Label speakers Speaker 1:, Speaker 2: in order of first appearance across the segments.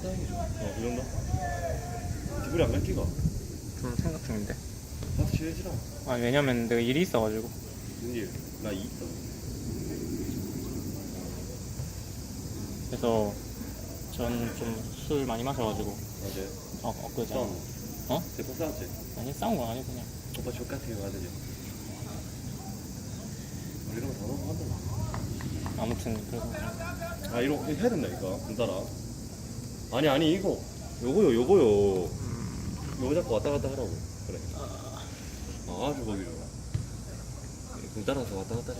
Speaker 1: 다행이죠. 그 정도? 기분이 안 갈기가?
Speaker 2: 좀 생각 중인데.
Speaker 1: 나도 취해지라.
Speaker 2: 아니 왜냐면 내가 일이 있어가지고.
Speaker 1: 무슨 일? 나 이 있어.
Speaker 2: 그래서 전 좀 술 많이 마셔가지고.
Speaker 1: 어제
Speaker 2: 엊그제.
Speaker 1: 싸움.
Speaker 2: 어?
Speaker 1: 대폭 싸웠지?
Speaker 2: 아니 싸운 건 아니고 그냥.
Speaker 1: 오빠 족같아요 아들이. 이런 거다 넘어간다.
Speaker 2: 아무튼 그래서 그냥.
Speaker 1: 아 이런 거 해야 된다니까 군따라. 아니 이거 요거요. 요거 자꾸 왔다 갔다 하라고. 그래. 아주 거기 좋아. 군따라서 왔다 갔다 해.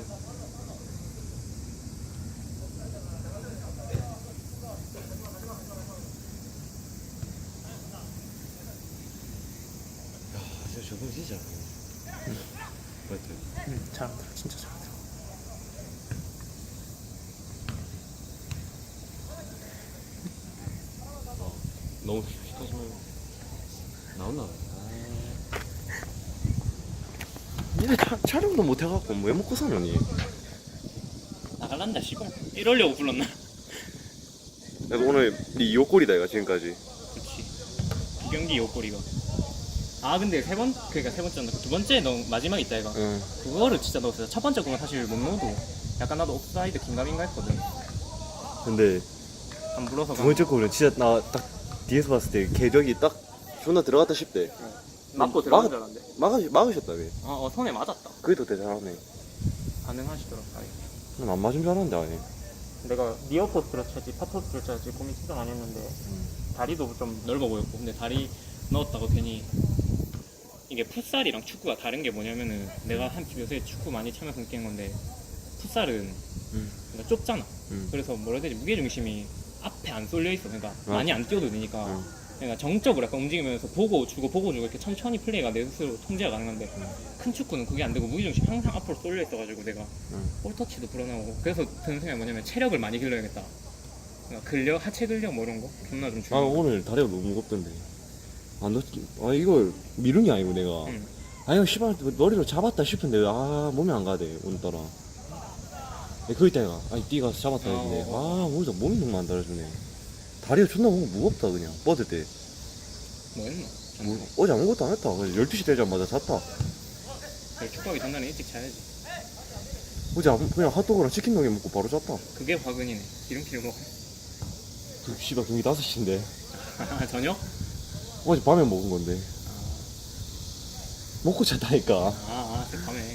Speaker 1: 진짜 저분 진짜 맞지?
Speaker 2: 잘 안 들어 진짜 잘 안 들어.
Speaker 1: 너무 시켜주면 나온나? 니네 촬영도 못 해갖고 왜 먹고 사노니?
Speaker 2: 나갈란다 씨발. 이러려고 불렀나?
Speaker 1: 그래서 오늘 네 요꼴이다 이거 지금까지.
Speaker 2: 그렇지. 두 경기 요꼬리가. 아 근데 그러니까 세 번째인데 두 번째 너 마지막 있다 이거.
Speaker 1: 응.
Speaker 2: 그거를 진짜 넣었어요. 첫 번째 거는 사실 못 넣어도 약간 나도 옵사이드 긴가민가 했거든.
Speaker 1: 근데
Speaker 2: 한 물어서
Speaker 1: 두 번째 거는 진짜 나 딱 뒤에서 봤을 때 궤적이 딱 존나 들어갔다 싶대.
Speaker 2: 맞고 들어간 줄 알았는데.
Speaker 1: 막으셨다며.
Speaker 2: 손에 맞았다.
Speaker 1: 그게 더 대단하네.
Speaker 2: 가능하시더라.
Speaker 1: 난 안 맞은 줄 알았는데 아니.
Speaker 2: 내가 니어포스트를 쳐야지 파토스를 쳐야지 고민 진짜 많이 했는데 다리도 좀 넓어 보였고 근데 다리 넣었다고 괜히 이게 풋살이랑 축구가 다른 게 뭐냐면은 내가 한 요새 축구 많이 차면서 느낀 건데 풋살은 그러니까 좁잖아. 그래서 뭐라 해야 되지 무게중심이 앞에 안 쏠려 있어. 그러니까 많이 안 뛰어도 되니까 그러니까 정적으로 약간 움직이면서 보고 주고 이렇게 천천히 플레이가 내 스스로 통제가 가능한데 큰 축구는 그게 안 되고 무게중심이 항상 앞으로 쏠려 있어가지고 내가 볼터치도 불어나오고 그래서 드는 생각이 뭐냐면 체력을 많이 길러야겠다. 그러니까 하체 근력 뭐 이런 거 존나 좀
Speaker 1: 아
Speaker 2: 중요해.
Speaker 1: 오늘 다리가 너무 무겁던데. 아 이걸 미룬 게 아니고 내가. 아 이거 씨발 머리로 잡았다 싶은데 아 몸이 안 가대 오늘따라. 그 있다가 아니 뛰가서 잡았다 했는데 아 오늘도 몸이 너무 안 달아주네. 다리가 존나 뭔가 무겁다 그냥 뻗을 때.
Speaker 2: 뭐 했나?
Speaker 1: 어제 아무것도 안 했다. 그냥 12시 되자마자 잤다.
Speaker 2: 그래, 축구하기 전날에 일찍 자야지.
Speaker 1: 어제 그냥 핫도그랑 치킨 너겟 먹고 바로 잤다.
Speaker 2: 그게 화근이네. 기름기를 먹어.
Speaker 1: 그 씨발 경기 5시인데
Speaker 2: 저녁?
Speaker 1: 어제 밤에 먹은 건데 먹고 잤다니까.
Speaker 2: 밤에.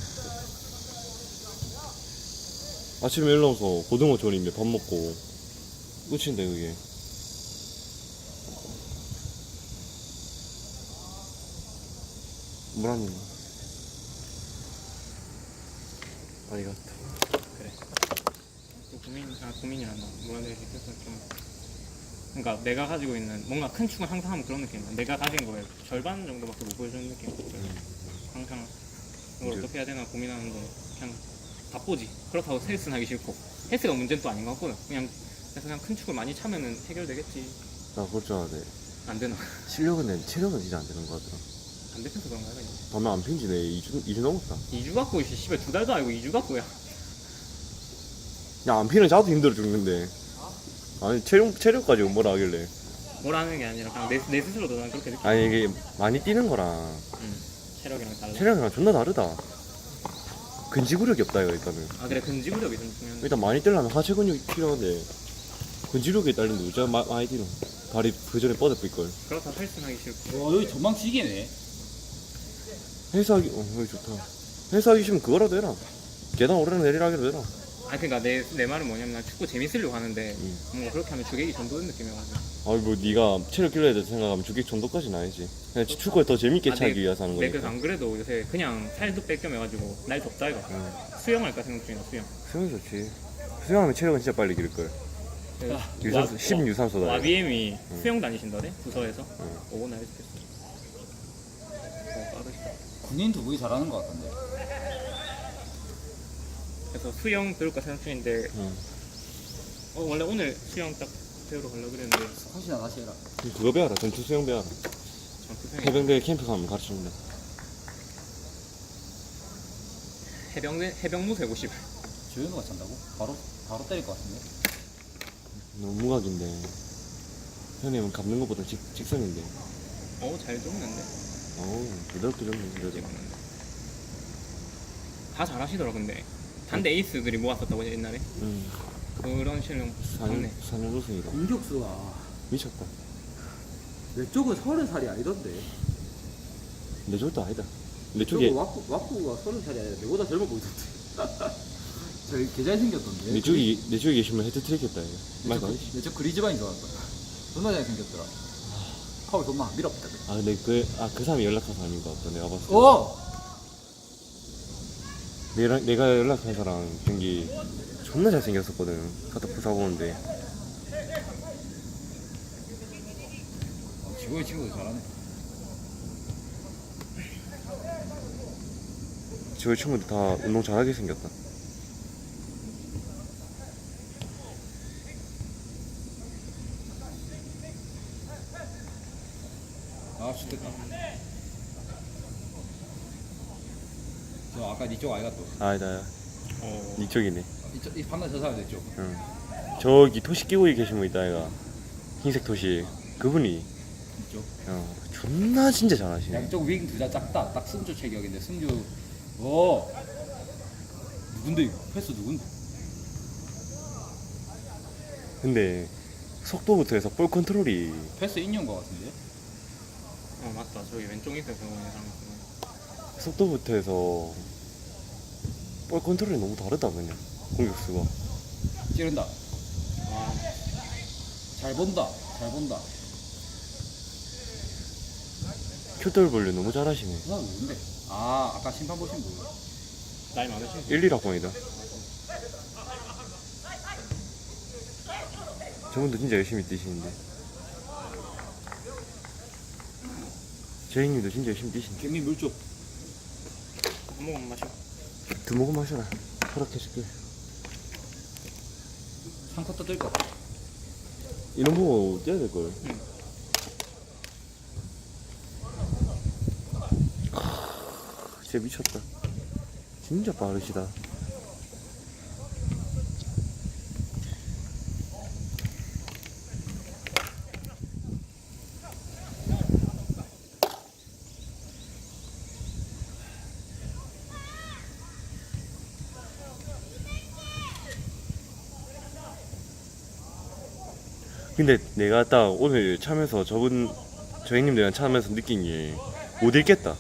Speaker 1: 아침에 일어나서 고등어 조림에 밥 먹고 끝인데 그게. 물 한 입. 아리가또.
Speaker 2: 그래. 또 고민이란다. 뭐라 해야 되지? 그래서 좀. 그러니까 내가 가지고 있는 뭔가 큰 축은 항상 하면 그런 느낌이야. 내가 가진 거에 절반 정도밖에 못 보여주는 느낌. 항상 이걸 어떻게 해야 되나 고민하는데 그냥 바쁘지. 그렇다고 헬스는 하기 싫고 헬스가 문제는 또 아닌 것 같거든. 그래서 그냥 큰 축을 많이 차면은 해결되겠지.
Speaker 1: 나 그럴 줄 알았네.
Speaker 2: 안 되나?
Speaker 1: 실력은 내 체력은 진짜 안 되는 것 같더라.
Speaker 2: 안 대표서 그런가 봐.
Speaker 1: 밤에 안 핀지네. 2주 넘었다.
Speaker 2: 2주 갖고 씨발 2달도 아니고 2주 갖고야.
Speaker 1: 야, 안 피는 자도 힘들어 죽는데. 아니, 체력 가지고 뭐라 하길래.
Speaker 2: 뭐라는 게 아니라 그냥 내 스스로도 난 그렇게 느껴.
Speaker 1: 아니, 이게 많이 뛰는 거랑
Speaker 2: 체력이랑 달라.
Speaker 1: 체력이랑 존나 다르다. 근지구력이 없다, 이거 일단은.
Speaker 2: 아 그래 근지구력이 좀 중요한.
Speaker 1: 일단 많이 뛰려면 하체 근육이 필요한데, 근지구력이 딸린데 진짜 많이 뛰노. 다리 그 전에 뻗어볼 걸.
Speaker 2: 그렇다 헬스는 하기 싫고.
Speaker 3: 여기 전망지기네.
Speaker 1: 헬스하기, 여기 좋다. 헬스하기 싫으면 그거라도 해라. 계단 오르내리라 하기로 해라.
Speaker 2: 아 그러니까 내 말은 뭐냐면 난 축구 재밌으려고 하는데 뭔가 그렇게 하면 주객이 전도된 느낌이어가지고.
Speaker 1: 아니 뭐 네가 체력 길러야 돼 생각하면 주객 정도까지는 아니지. 그냥 축구를 더 재밌게 차기 위해서 하는
Speaker 2: 내가
Speaker 1: 거니까.
Speaker 2: 안 그래도 요새 그냥 살도 뺄겸해가지고 날 덥다 이거. 수영할까 생각 중이야 수영.
Speaker 1: 수영 좋지. 수영하면 체력은 진짜 빨리 기를 걸. 유산소 10 유산소다.
Speaker 2: 와비엠이 수영 다니신다네 부서에서. 오고 나 해주겠어. 빠르시다.
Speaker 3: 군인 두 분이 잘하는 것 같던데.
Speaker 2: 그래서 수영 배울까 생각 중인데 원래 오늘 수영 딱 배우러 가려고 그랬는데
Speaker 3: 혹시나 다시 해라.
Speaker 1: 그거 배워라. 전투 수영 배워라.
Speaker 2: 전투 수영
Speaker 1: 해병대 캠프 가면 가르쳐준다.
Speaker 2: 해병무새 50.
Speaker 3: 조현우가 찬다고? 바로 때릴 것 같은데.
Speaker 1: 너무 무각인데. 형님은 감는 것보다 직선인데.
Speaker 2: 잘 줬는데.
Speaker 1: 어우, 부드럽게 줬네, 그래도.
Speaker 2: 찍었는데. 다 잘하시더라 근데. 단대 에이스들이 모았었다고 옛날에. 그런 실력
Speaker 1: 4년,
Speaker 2: 좋네.
Speaker 1: 4년 우승이다.
Speaker 4: 공격수가
Speaker 1: 미쳤다.
Speaker 4: 내 쪽은 30살이 아니던데.
Speaker 1: 내 쪽도 아니다. 내 쪽에,
Speaker 4: 저거 와꾸가 30살이 아니라 내보다 젊어 보이던데. 저 개잘 생겼던데.
Speaker 1: 내 쪽에 계시면 헤드트릭 했다, 이거. 말도 안 되지.
Speaker 3: 내저 그리즈반인 줄 알았다. 존나 잘 생겼더라. 파울 존나 안 밀었다.
Speaker 1: 아, 근데 그 사람이 연락한 사람인 것 같다, 내가 봤을 때.
Speaker 3: 오!
Speaker 1: 내가 연락한 사람 경기 존나 잘생겼었거든. 갖다 부사 보는데.
Speaker 3: 지고의 친구도 잘하네.
Speaker 1: 저 친구들 다 운동 잘하게 생겼다.
Speaker 3: 아, 좋겠다. 저 아까 니쪽 아이가 또.
Speaker 1: 아니다, 이쪽이네.
Speaker 3: 이 방금 저 사람 됐죠?
Speaker 1: 응. 저기 토시 끼고 계신 분 있다, 얘가. 흰색 토시. 그분이,
Speaker 3: 이쪽.
Speaker 1: 존나 진짜 잘하시네.
Speaker 3: 양쪽 윙 둘 다 작다. 딱 승주 체격인데 승주. 오. 누군데 이거? 패스 누군데?
Speaker 1: 근데, 속도부터 해서 볼 컨트롤이,
Speaker 3: 패스 인용 거 같은데?
Speaker 2: 맞다. 저기 왼쪽 입에 배우는 사람 있구나.
Speaker 1: 속도부터 해서, 볼 컨트롤이 너무 다르다, 그냥. 공격수가.
Speaker 3: 찌른다.
Speaker 2: 와,
Speaker 3: 잘 본다. 잘 본다.
Speaker 1: QW 너무 잘하시네.
Speaker 3: 그 사람 누군데? 아, 아까 심판 보신 분.
Speaker 2: 나이 많으신
Speaker 1: 1, 1학번이다. 저분도 진짜 열심히 뛰시는데. 제이님도 진짜 열심히 뛰시는데.
Speaker 3: 개미 물쪽.
Speaker 2: 한 모금 마셔.
Speaker 1: 두 모금 마셔라. 허락해줄게.
Speaker 3: 3쿼터 뜰 거.
Speaker 1: 이런 거 뛰어야 될걸. 진짜 미쳤다. 진짜 빠르시다. 근데 내가 딱 오늘 차면서 저 형님들이랑 차면서 느낀 게 못 읽겠다.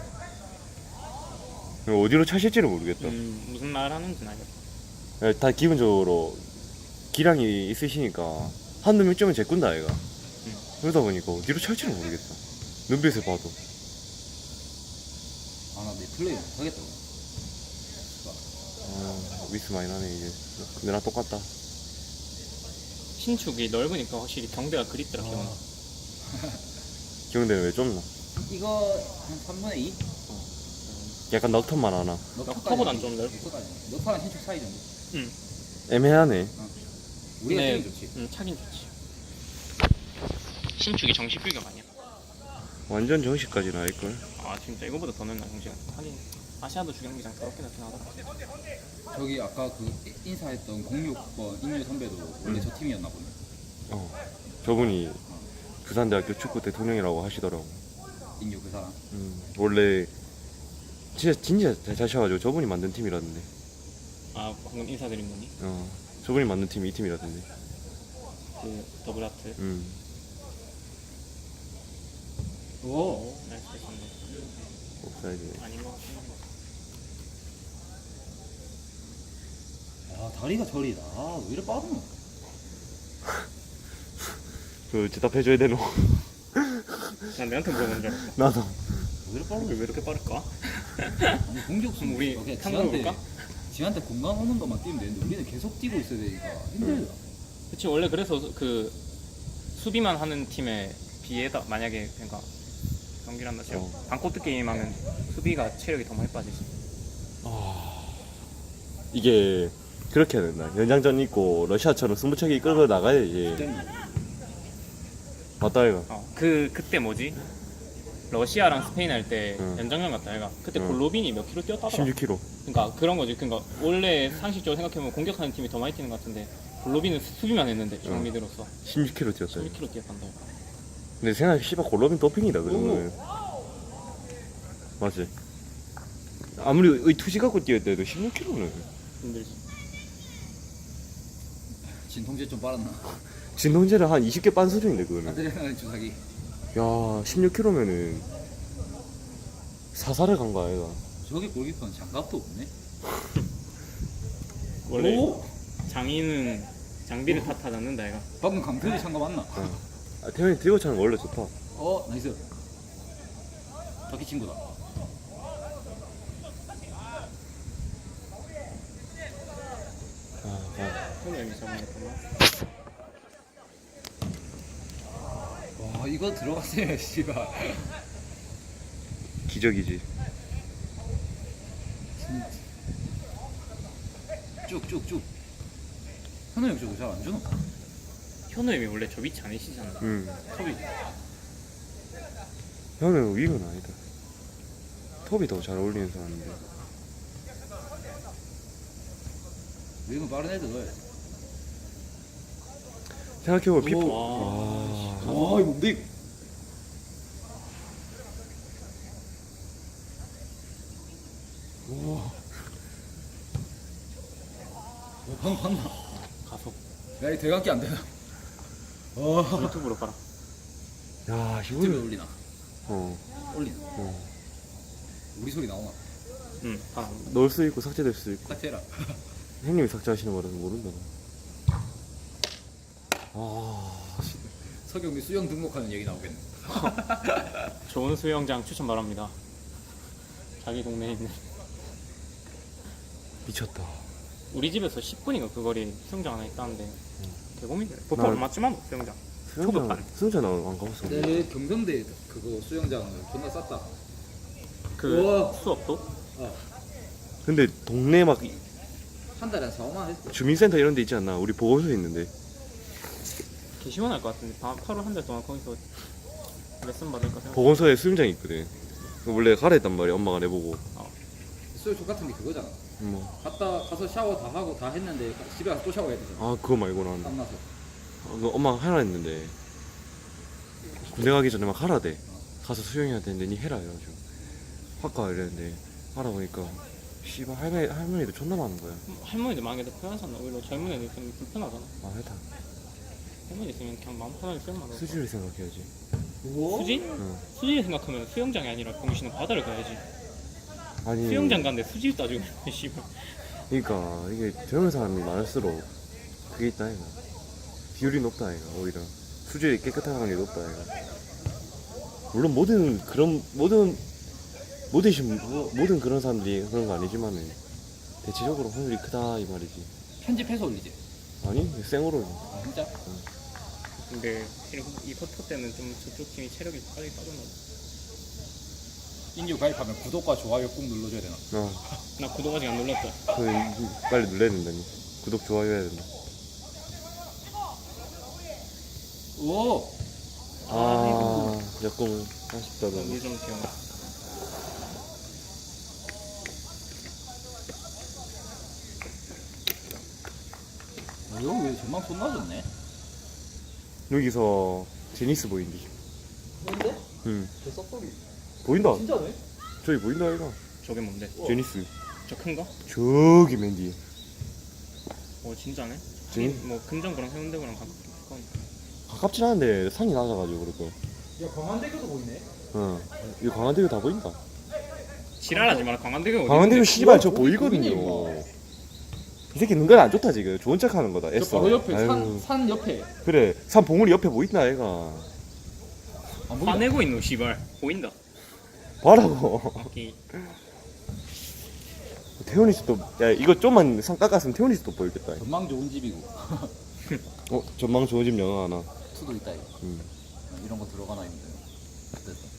Speaker 1: 어디로 차실지를 모르겠다.
Speaker 2: 무슨 말 하는지는 알겠어.
Speaker 1: 다 기본적으로 기량이 있으시니까 한두 명쯤은 제꾼다 얘가. 그러다 보니까 어디로 찰지를 모르겠다. 눈빛을 봐도.
Speaker 3: 아, 나 내 플레이 못하겠다.
Speaker 1: 미스 많이 나네 이제. 근데 나 똑같다.
Speaker 2: 신축이 넓으니까 확실히 경대가 그립더라. 기억나.
Speaker 1: 기억되는 왜 좁나?
Speaker 3: 이거 한 3분의 2?
Speaker 1: 약간 넉턴만 하나.
Speaker 2: 넉터보단 좀 넓고.
Speaker 3: 넉터랑 신축 사이 정도.
Speaker 1: 애매하네.
Speaker 3: 우리가
Speaker 2: 네.
Speaker 3: 뛰면 좋지.
Speaker 2: 차긴 좋지. 신축이 정식 규격 아니야?
Speaker 1: 완전 정식까지는 아닐걸.
Speaker 2: 아 진짜 이거보다 더 넓나 정식. 하긴 아시아도 주경기장 더럽게 나긴 하더라.
Speaker 3: 저기 아까 그 인사했던 06번 인류 선배도 원래 저 팀이었나 보네.
Speaker 1: 저분이 부산대학교 축구 대통령이라고 하시더라고.
Speaker 3: 인류 그 사람.
Speaker 1: 원래 진짜 잘 차셔가지고 저분이 만든 팀이라던데.
Speaker 2: 아 방금 인사드린 분이
Speaker 1: 저분이 만든 팀이 이 팀이라던데.
Speaker 2: 그 더블하트.
Speaker 3: 오.
Speaker 2: 나이스 패스인데.
Speaker 1: 옵사이드.
Speaker 2: 아닌 것 같은데.
Speaker 3: 야, 다리가 저리다. 아, 왜 이래 빠르노?
Speaker 1: 그 대답해줘야 되노.
Speaker 2: 난 내한테 물어본 줄 알았어.
Speaker 1: 나도.
Speaker 3: 왜 이래 빠르노?
Speaker 2: 왜 이렇게 빠를까?
Speaker 3: 아니, 공격수
Speaker 2: 우리
Speaker 3: 그냥
Speaker 2: 탐구해볼까?
Speaker 3: 지한테 공간 오는 것만 뛰면 되는데 우리는 계속 뛰고 있어야 되니까 힘들다.
Speaker 2: 그치 원래 그래서 그 수비만 하는 팀에 비해다 만약에 그러니까 경기를 한다 치고 반코트 게임 하면 수비가 체력이 더 많이 빠지지.
Speaker 1: 이게 그렇게 해야 된다. 연장전 있고 러시아처럼 승부차기 끌고 나가야지. 맞다 이거.
Speaker 2: 그때 뭐지? 러시아랑 스페인 할 때
Speaker 1: 응.
Speaker 2: 연장전 갔다 얘가 그때
Speaker 1: 응.
Speaker 2: 골로빈이 몇 킬로 뛰었다더라.
Speaker 1: 16kg.
Speaker 2: 그러니까 그런 거지. 그러니까 원래 상식적으로 생각해보면 공격하는 팀이 더 많이 뛰는 것 같은데 골로빈은 수비만 했는데 중미 들었어.
Speaker 1: 16km 뛰었다.
Speaker 2: 11km 뛰었단다.
Speaker 1: 근데 생각해 씨발 골로빈 도핑이다 그 정도면. 맞지? 아무리 이 투지 갖고 뛰었대도 16km는
Speaker 2: 힘들지.
Speaker 3: 진통제 좀 빨았나?
Speaker 1: 진동제를 한 20개 빤 수준인데 그거는.
Speaker 3: 아드레날린 주사기.
Speaker 1: 야 16km면은 사살을 간 거 아이가.
Speaker 3: 저기 골키퍼는 장갑도 없네.
Speaker 2: 원래
Speaker 3: 오!
Speaker 2: 장인은 장비를 탓하지 않는다 얘가.
Speaker 3: 방금 강태리 장갑 맞나?
Speaker 1: 아, 태현이 들고 차는 거 원래 좋다.
Speaker 3: 나이스. 터키 친구다.
Speaker 2: 형님이 잡아냈구나.
Speaker 3: 와 이거 들어갔어요 씨발.
Speaker 1: 기적이지.
Speaker 3: 쭉쭉쭉. 현우 형 저거 잘 안 주노?
Speaker 2: 현우 형이 원래 저 위치 아니시잖아. 톱이.
Speaker 1: 형은 윙은 아니다. 톱이 더 잘 어울리는 사람인데.
Speaker 3: 윙은 빠른 애들 넣어야 돼.
Speaker 1: 생각해보면 피프.
Speaker 2: 오.
Speaker 1: 와.
Speaker 3: 와 이거 뭔데? 방금 봤나?
Speaker 2: 가속.
Speaker 3: 야 이 대각기 안 되나?
Speaker 2: 유튜브로 깔아.
Speaker 1: 야
Speaker 3: 유튜브에
Speaker 1: 이거는.
Speaker 3: 올리나?
Speaker 1: 어.
Speaker 3: 올리나? 우리 소리 나오나?
Speaker 2: 응. 다.
Speaker 1: 넣을 수 있고 삭제될 수 있고.
Speaker 3: 딱 해라.
Speaker 1: 형님이 삭제하시는 거라서 모른다. 아.
Speaker 3: 석영이 수영 등록하는 얘기 나오겠네.
Speaker 2: 좋은 수영장 추천 바랍니다. 자기 동네에 있는.
Speaker 1: 미쳤다.
Speaker 2: 우리 집에서 10분인가 그 거리에 수영장 하나 있다는데 개고민이네. 보통
Speaker 1: 난-
Speaker 2: 얼마쯤 하노 수영장? 초급반.
Speaker 1: 수영장 나안 가봤어.
Speaker 3: 내 경성대 그거 수영장 존나 쌌다.
Speaker 2: 그
Speaker 3: 우와.
Speaker 2: 수업도?
Speaker 1: 근데 동네 막
Speaker 3: 한 달에 한 4만 했어.
Speaker 1: 주민센터 이런 데 있지 않나? 우리 보건소에 있는데.
Speaker 2: 개 시원할 것 같은데 8월 한 달 동안 거기서 레슨 받을까 생각.
Speaker 1: 보건소에 수영장이 있거든. 원래 가라 했단 말이야. 엄마가 내보고.
Speaker 3: 수영 똑같은 게 그거잖아.
Speaker 1: 뭐.
Speaker 3: 가서 샤워 다 하고 다 했는데 집에 가서 또 샤워해야 되잖아.
Speaker 1: 아 그거 말고는
Speaker 3: 땀 나서.
Speaker 1: 엄마가 하라 했는데 군대 가기 전에 막 하라 돼. 가서 수영해야 되는데 니 해라 이래가지고 확 가 이랬는데 하라 보니까 씨발 할머니들 존나 많은 거야.
Speaker 2: 할머니들 많이도 편하잖아. 오히려 젊은 애들 좀 불편하잖아.
Speaker 1: 아 해다.
Speaker 2: 할머니 있으면 그냥 마음 편하게 수영만 하고.
Speaker 1: 수지를 생각해야지.
Speaker 2: 수지?
Speaker 1: 응.
Speaker 2: 수지를 생각하면 수영장이 아니라 병신은 바다를 가야지.
Speaker 1: 아니
Speaker 2: 수영장 갔는데 수지를 따지고 있네, 씨발.
Speaker 1: 그러니까 이게 젊은 사람이 많을수록 그게 있다 이가 비율이 높다 이가 오히려 수질이 깨끗한 게 높다 이가. 물론 모든 그런 사람들이 그런 거 아니지만은 대체적으로 확률이 크다 이 말이지.
Speaker 3: 편집해서 올리지.
Speaker 1: 아니 생으로.
Speaker 3: 아 진짜?
Speaker 2: 근데 이 포토 때는 좀 저쪽 팀이 체력이 빨리 빠졌나 봐.
Speaker 3: 인류 가입하면 구독과 좋아요 꼭 눌러줘야 되나?
Speaker 2: 나 구독 아직 안 눌렀다.
Speaker 1: 빨리 눌러야 된다니. 구독 좋아요 해야 된다.
Speaker 3: 오!
Speaker 1: 약간 아쉽다 너무.
Speaker 2: 물좀 기억.
Speaker 3: 여기 왜 전망 존나 좋네?
Speaker 1: 여기서 제니스 보인디.
Speaker 4: 뭔데?
Speaker 1: 응.
Speaker 4: 저 썩덕이
Speaker 1: 보인다.
Speaker 4: 진짜네?
Speaker 1: 저기 보인다 이가.
Speaker 2: 저게 뭔데?
Speaker 1: 제니스.
Speaker 2: 저 큰 거?
Speaker 1: 저기 맨 뒤에.
Speaker 2: 진짜네?
Speaker 1: 진?
Speaker 2: 뭐 금정구랑 해운대구랑 가깝긴
Speaker 1: 가깝진 않은데 산이 낮아가지고 그렇고.
Speaker 4: 야 광안대교도 보이네.
Speaker 1: 이 광안대교 다 보인다.
Speaker 2: 지랄하지 마라. 광안대교 어디
Speaker 1: 광안대교
Speaker 2: 있는데?
Speaker 1: 씨발 저
Speaker 3: 보이네,
Speaker 1: 보이거든요.
Speaker 3: 보이네,
Speaker 1: 이 새끼 눈깔 안 좋다 지금. 좋은 척하는 거다.
Speaker 3: 저
Speaker 1: 애써.
Speaker 3: 바로 옆에
Speaker 1: 아유.
Speaker 3: 산 옆에
Speaker 1: 그래. 산 봉우리 옆에 보인다 애가.
Speaker 3: 안 보인다.
Speaker 2: 화내고 있노 씨발. 보인다.
Speaker 1: 봐라고.
Speaker 2: 오케이.
Speaker 1: 태훈이 씨도 야 이거 좀만 산 깎았으면 태훈이 씨도 보이겠다.
Speaker 3: 전망 좋은 집이고
Speaker 1: 전망 좋은 집 영화 하나.
Speaker 3: 투도 있다 이거.
Speaker 1: 음.
Speaker 3: 이런 거 들어가나 했는데 됐어.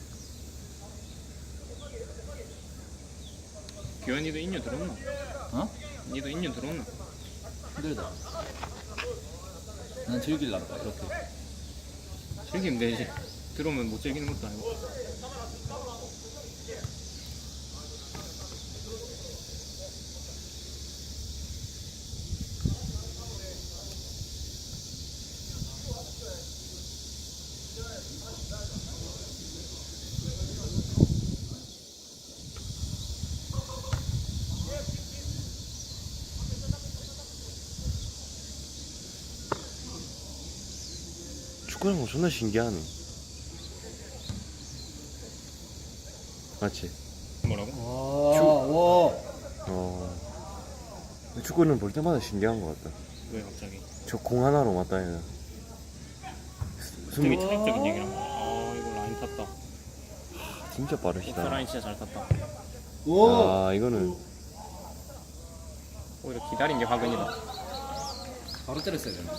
Speaker 2: 규현이도 인류 들었나?
Speaker 3: 어?
Speaker 2: 니도 인류 들었나?
Speaker 3: 힘들다. 난 즐길란다 이렇게.
Speaker 2: 즐기면 되지. 들어오면 못 즐기는 것도 아니고.
Speaker 1: 축구는 거 존나 신기하네. 맞지?
Speaker 2: 뭐라고?
Speaker 3: 와.
Speaker 1: 축구는 볼 때마다 신기한 것 같다.
Speaker 2: 왜 갑자기?
Speaker 1: 저 공 하나로 맞다 해나.
Speaker 2: 되게 차이적인 얘기란 거야. 이거 라인 탔다.
Speaker 1: 진짜
Speaker 2: 옥사
Speaker 1: 빠르시다.
Speaker 2: 라인 진짜 잘 탔다.
Speaker 1: 아 이거는
Speaker 2: 오히려 기다린 게 화근이다.
Speaker 3: 바로 때렸어야 되나?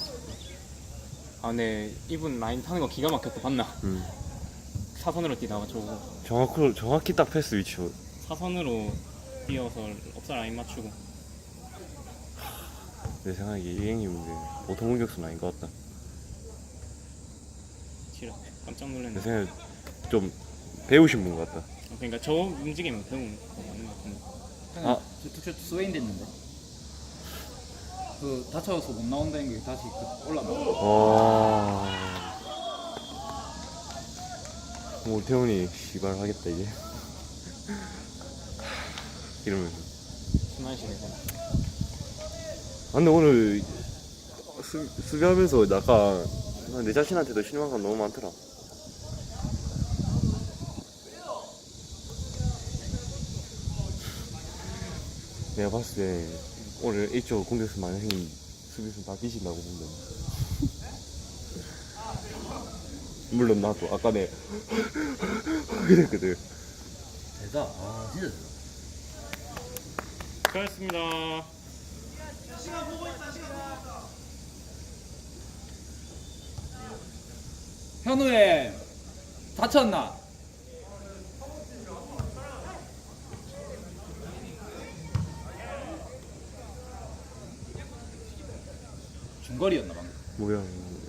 Speaker 2: 근데 이분 라인 타는 거 기가 막혔다. 봤나? 사선으로 뛰다가 저거
Speaker 1: 정확히 딱 패스 위치.
Speaker 2: 사선으로 뛰어서 옥사 라인 맞추고.
Speaker 1: 내 생각에 이 형님인데 보통 공격수는 아닌 것 같다.
Speaker 2: 지라 깜짝
Speaker 1: 내
Speaker 2: 놀랐네.
Speaker 1: 생각에 좀 배우신 분 같다.
Speaker 2: 그러니까 저 움직임은 배운 거 맞는 것 같은데.
Speaker 3: 아, 저 스웨인 됐는데. 그 다쳐서 못 나온다는 게 다시 올라가.
Speaker 1: 뭐 태훈이 씨발 하겠다 이제. 이러면서.
Speaker 2: 심한시네.
Speaker 1: 근데 오늘 수비하면서 약간 내 자신한테도 실망감 너무 많더라. 내가 봤을 때 오늘 이쪽 공격수 많은 형님 수비수 다 뒤진다고 본다. 물론 나도 아까 내 그랬거든.
Speaker 3: 대다. 아, 진짜 대다.
Speaker 2: 수고하셨습니다.
Speaker 3: 현우에 다쳤나? 중거리였나 방금?
Speaker 1: 뭐야?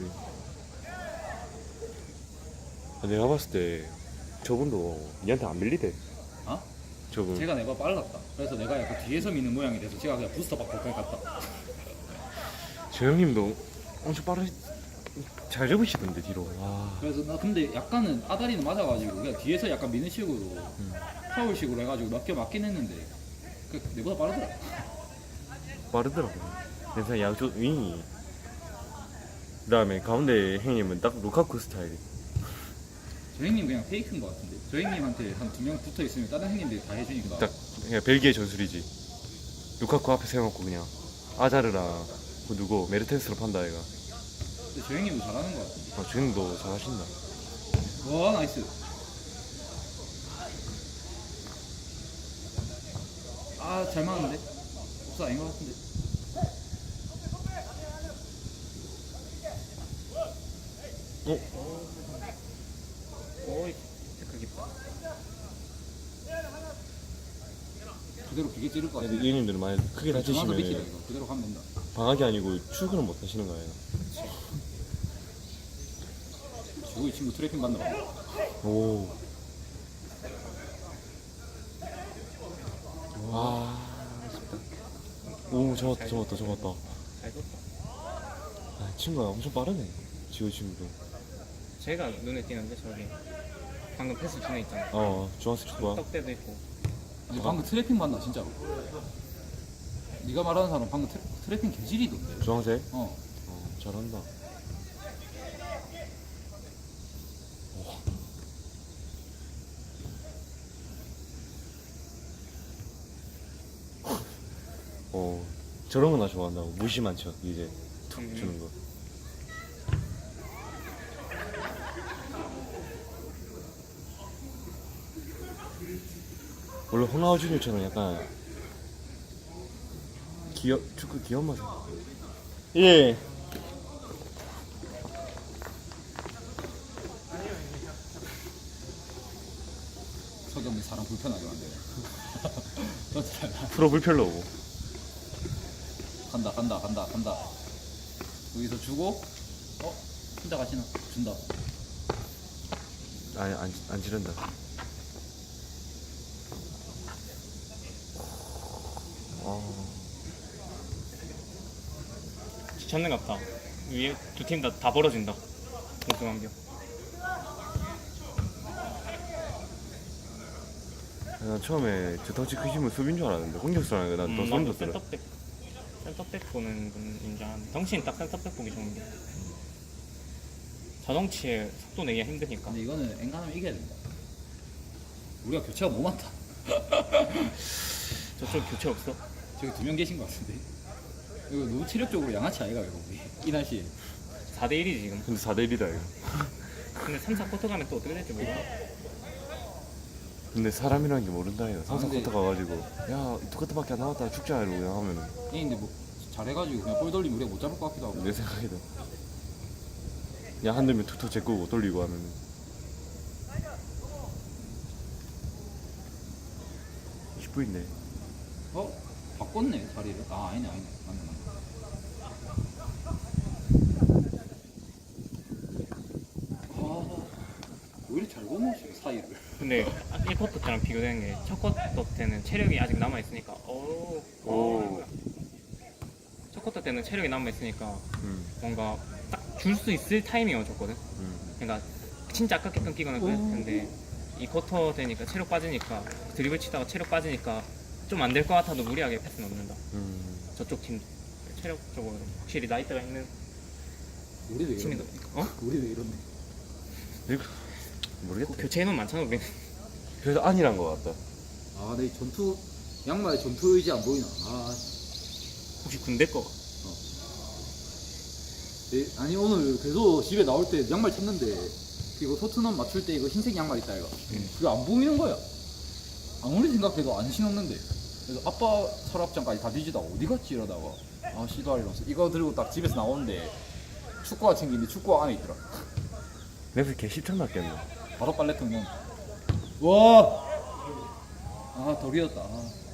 Speaker 1: 내가 봤을 때 저분도 니한테 안 밀리대.
Speaker 3: 어?
Speaker 1: 저분.
Speaker 3: 제가 내가 빨랐다. 그래서 내가 약간 뒤에서 미는 모양이 돼서 제가 그냥 부스터 받고 그냥 갔다.
Speaker 1: 저 형님도 엄청 잘 접으시던데 뒤로. 와.
Speaker 3: 그래서 나 근데 약간은 아다리는 맞아가지고 그냥 뒤에서 약간 미는 식으로 파울식으로 해가지고 몇 개 맞긴 했는데 내보다 빠르더라.
Speaker 1: 빠르더라고. 그래서 양쪽 윙이. 그다음에 가운데 형님은 딱 루카쿠 스타일.
Speaker 3: 저 형님 그냥 페이크인 것 같은데. 저 형님한테 한 2명 붙어 있으면 다른 형님들이 다 해주니까.
Speaker 1: 딱 그냥 벨기에 전술이지. 루카쿠 앞에 세워놓고 그냥 아자르랑 그 누구 메르텐스로 판다 얘가.
Speaker 3: 근데 저 형님도 잘하는 것 같은데.
Speaker 1: 저 형님도 잘하신다.
Speaker 3: 와 나이스. 아 잘 맞는데? 없어 아닌 것 같은데.
Speaker 2: 오이 태클 깊다.
Speaker 3: 그대로 기계 찌를 것 같아.
Speaker 1: 근데 이 형님들은 많이 크게
Speaker 3: 전화도
Speaker 1: 다치시면
Speaker 3: 비키다 이거. 그대로 가면 된다.
Speaker 1: 방학이 아니고 출근을 못 하시는 거예요.
Speaker 3: 지금 이 친구 트래핑 받나 봐.
Speaker 1: 오. 와. 오, 잡았다.
Speaker 2: 잘 줬다.
Speaker 1: 아, 친구가 엄청 빠르네. 지호 친구도.
Speaker 2: 제가 눈에 띄는데 저기 방금 패스 준에 있잖아.
Speaker 1: 중학생 축구야.
Speaker 2: 떡대도 있고.
Speaker 3: 아니, 방금 트래핑 받나 진짜로. 네가 말하는 사람 방금 트래핑 개질이던데.
Speaker 1: 중학생?
Speaker 3: 어.
Speaker 1: 잘한다. 저런 거 나 좋아한다고. 무심한 척 이제 툭 주는 거. 원래 호나우 주니어처럼 약간 축구 귀여운 맛. 예.
Speaker 3: 서경이 사람 불편하게 만드네.
Speaker 1: 프로 불편로 오고.
Speaker 3: 간다. 여기서 주고, 혼자 가시나? 준다.
Speaker 1: 아니 안 지른다.
Speaker 2: 지쳤는 것 같다. 위에 두 팀 다 벌어진다. 공수관경.
Speaker 1: 난 처음에 저 덩치 크시면 수비인 줄 알았는데 공격수라는 게 난더 소름 돋더라.
Speaker 2: 센터백 보는 분인 줄 알았는데 덩치는 딱 센터백 보기 좋은데 저덩치에 속도 내기가 힘드니까.
Speaker 3: 근데 이거는 엔간하면 이겨야 된다. 우리가 교체가 뭐 많다.
Speaker 2: 저쪽 교체 없어?
Speaker 3: 저기 2명 계신 것 같은데. 이거 너무 체력적으로 양아치 아이가 이거 우리 이 날씨에.
Speaker 2: 4대1이지 지금.
Speaker 1: 근데 4대1이다 이거.
Speaker 2: 근데 3, 4쿼터 가면 또 어떻게 될지 몰라.
Speaker 1: 근데 사람이라는 게 모른다 이거.
Speaker 3: 아, 근데-
Speaker 1: 3,4쿼터 가가지고 야 2쿼터밖에 안 남았다 죽자 이러고 그냥 하면은
Speaker 3: 이 근데 뭐 잘해가지고 그냥 볼 돌리면 우리가 못 잡을 것 같기도 하고.
Speaker 1: 내 생각에도 야 한들면 투투 제꾸고 돌리고 하면은 10분인데
Speaker 3: 어? 바꿨네 자리를. 아 아니네 맞네. 아 오히려 잘 보내시네 사이를.
Speaker 2: 근데 1쿼터 때랑 비교되는 게 첫 쿼터 때는 체력이 아직 남아있으니까
Speaker 1: 오.
Speaker 2: 첫 쿼터 때는 체력이 남아있으니까
Speaker 1: 음,
Speaker 2: 뭔가 딱 줄 수 있을 타이밍을 줬거든.
Speaker 1: 음.
Speaker 2: 그러니까 진짜 아깝게 끊기거나 그랬을 텐데 이 쿼터 되니까 체력 빠지니까 드리블 치다가 체력 빠지니까 좀 안 될 것 같아도 무리하게 패스 넣는다. 저쪽 팀 체력적으로 확실히 나이대가 있는
Speaker 3: 우리도
Speaker 2: 팀이
Speaker 3: 이런데.
Speaker 2: 더
Speaker 3: 우리도 이런데.
Speaker 1: 이거 모르겠다
Speaker 2: 교체 인원 많잖아 우리.
Speaker 1: 그래서 아니란 거 같다
Speaker 3: 아, 내 전투 양말에 전투 의지 안 보이나? 아,
Speaker 2: 혹시 군대 거?
Speaker 3: 아니 오늘 계속 집에 나올 때 양말 찾는데 이거 토트넘 맞출 때 이거 흰색 양말 있다 이거. 그게 안 보이는 거야. 아무리 생각해도 안 신었는데. 그래서 아빠 서랍장까지 다 뒤지다가 어디 갔지 이러다가 아 씨발 이러면서 이거 들고 딱 집에서 나오는데 축구화 챙기는데 축구화 안에 있더라.
Speaker 1: 맵을 개 10천 났겠네
Speaker 3: 바로 빨래통 넣은. 와. 아 덜이었다.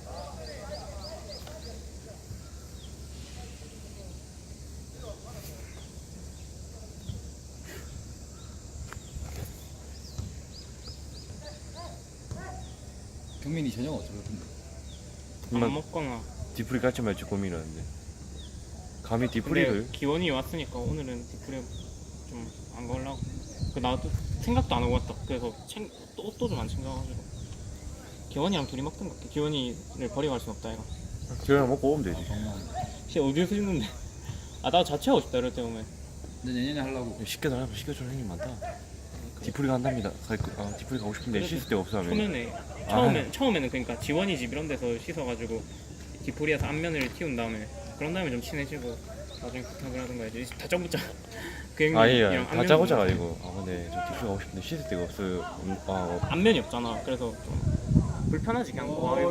Speaker 3: 경민이 저녁 어쩔 텐데.
Speaker 2: 안
Speaker 1: 난
Speaker 2: 먹거나.
Speaker 1: 디프리 같이 말지 고민하는데 감히
Speaker 2: 근데
Speaker 1: 디프리를
Speaker 2: 기원이 왔으니까 오늘은 디프레 좀 안 걸라고. 그 나도 생각도 안 하고 왔다. 그래서 옷도 좀 안 챙겨가지고. 기원이랑 둘이 먹던 것 같아. 기원이를 버리고 갈 순 없다 이거.
Speaker 1: 저녁 먹고 오면 되지
Speaker 2: 진짜 어디서 있는데? 아 나도 자취하고 싶다 이럴 때 오면.
Speaker 3: 근데 내년에 하려고.
Speaker 1: 시켜달라면 시켜줄 형님 많다 디프리 간답니다 디프리 가고 싶은데
Speaker 2: 그래도
Speaker 1: 씻을 데가 없어 하면
Speaker 2: 초면에 처음에는 그러니까 지원이 집 이런 데서 씻어가지고 디프리에서 안면을 틔운 다음에 그런 다음에 좀 친해지고 나중에 부탁을 하던가 해야지. 다짜 붙자. 그
Speaker 1: 아니야
Speaker 2: 형님이랑
Speaker 1: 다 짜고자가 아니고 아 근데 저 디프리 가고 싶은데 씻을 데가 없어요
Speaker 2: 안면이 없잖아. 그래서 좀 불편하지 그냥.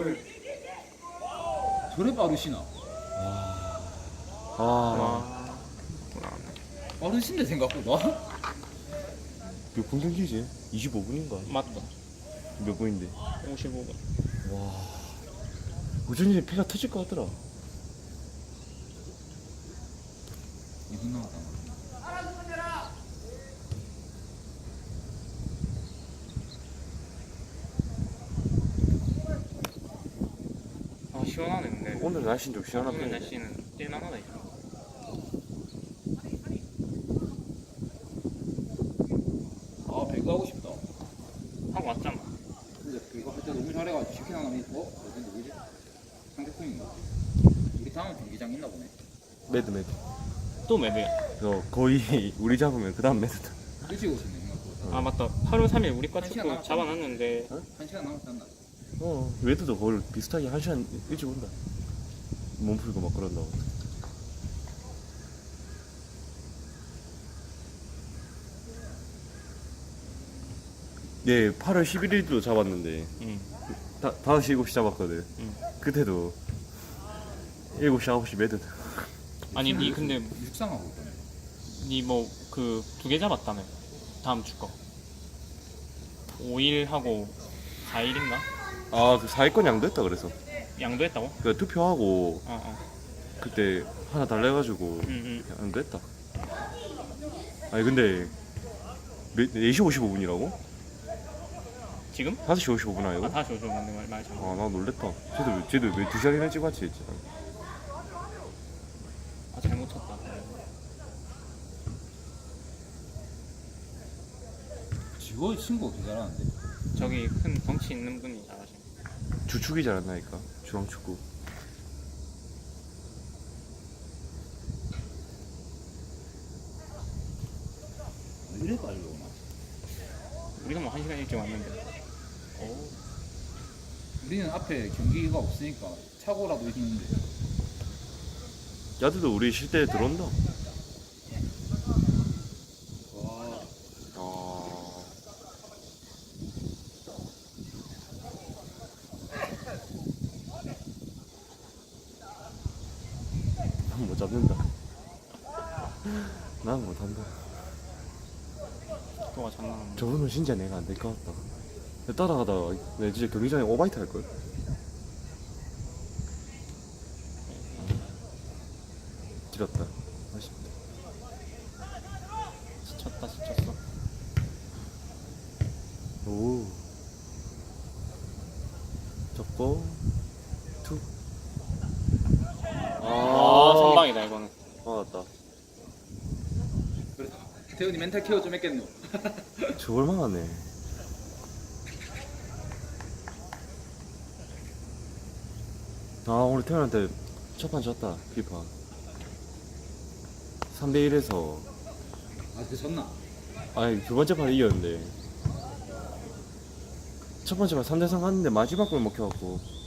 Speaker 3: 저래 빠르시나?
Speaker 1: 아
Speaker 2: 와.
Speaker 3: 빠르신데 생각보다?
Speaker 1: 몇 분 경기지? 25분인가?
Speaker 2: 맞다.
Speaker 1: 몇 분인데
Speaker 2: 55분.
Speaker 1: 와 우준이 폐가 터질 것 같더라
Speaker 3: 2분 남았다.
Speaker 2: 아 시원하네 근데.
Speaker 1: 오늘 날씨는 좀 시원한
Speaker 2: 오늘
Speaker 1: 편이네
Speaker 2: 날씨는 뛸만하다 이거.
Speaker 3: 아 배그 하고 싶다.
Speaker 2: 하고 왔잖아.
Speaker 3: 근데 그거 할 때 너무 잘해가지고 치킨 하나 어디 누구지? 상대팀인가? 우리 다음 경기장 있나 보네.
Speaker 1: 매드
Speaker 2: 또 매드야.
Speaker 1: 그래서 거의 우리 잡으면 그 다음 매드다
Speaker 3: 일찍 오셨네 생각보다.
Speaker 2: 아 맞다. 8월 3일 우리 과
Speaker 3: 한 시간
Speaker 2: 축구
Speaker 3: 남았다.
Speaker 2: 잡아놨는데
Speaker 3: 1시간 남았지 않나?
Speaker 1: 매드도 거의 비슷하게 1시간 일찍 온다 몸 풀고 막 그런다고 예 8월 11일도 잡았는데
Speaker 2: 응.
Speaker 1: 5시 7시 잡았거든
Speaker 2: 응.
Speaker 1: 그때도 7시 9시 매드
Speaker 2: 아니 니 근데
Speaker 3: 육상하고 있다네.
Speaker 2: 니 뭐 그 2개 잡았다며 다음 주 거. 5일 하고 4일인가?
Speaker 1: 아그 4위권 양도했다 그래서
Speaker 2: 양도했다고?
Speaker 1: 그 투표하고
Speaker 2: 어어.
Speaker 1: 그때 하나 달라 해가지고
Speaker 2: 응응.
Speaker 1: 양도했다 아니 근데 4시 55분이라고?
Speaker 2: 지금?
Speaker 1: 5시 55분 아니고?
Speaker 2: 아 다시 오죠. 맞네 말 잘.
Speaker 1: 아 나 놀랬다 쟤도 왜 2시간이나 찍었지 했지
Speaker 2: 아 잘못 쳤다.
Speaker 3: 지원 친구가 개 잘하는데.
Speaker 2: 저기 큰 덩치 있는 분이 잘하시네.
Speaker 1: 주축이 잘한다니까 중앙축구
Speaker 3: 그래 빨리 오나?
Speaker 2: 우리가 뭐 1시간 일찍 왔는데. 오.
Speaker 3: 우리는 앞에 경기가 없으니까 차고라도 있는데.
Speaker 1: 야들도 우리 쉴 때 들어온다.
Speaker 3: 와.
Speaker 1: 아. 난 못 잡는다. 난 못한다.
Speaker 2: 또가 장난 아니야.
Speaker 1: 저분은 진짜 내가 안 될 것 같다. 따라가다가 내가 진짜 경기장에 오바이트 할걸? 길었다. 아쉽다.
Speaker 2: 지쳤다 지쳤어.
Speaker 1: 오. 접고 툭.
Speaker 2: 아 선방이다 이거는.
Speaker 1: 맞았다.
Speaker 3: 그래. 태훈이 멘탈 케어 좀 했겠노?
Speaker 1: 저걸 막았네. 아 오늘 태현한테 첫판 졌다 피파 3대1에서
Speaker 3: 아, 그 졌나?
Speaker 1: 아니 두 번째 판 이겼는데 첫 번째 판 3대3 갔는데 마지막 골 먹혀갖고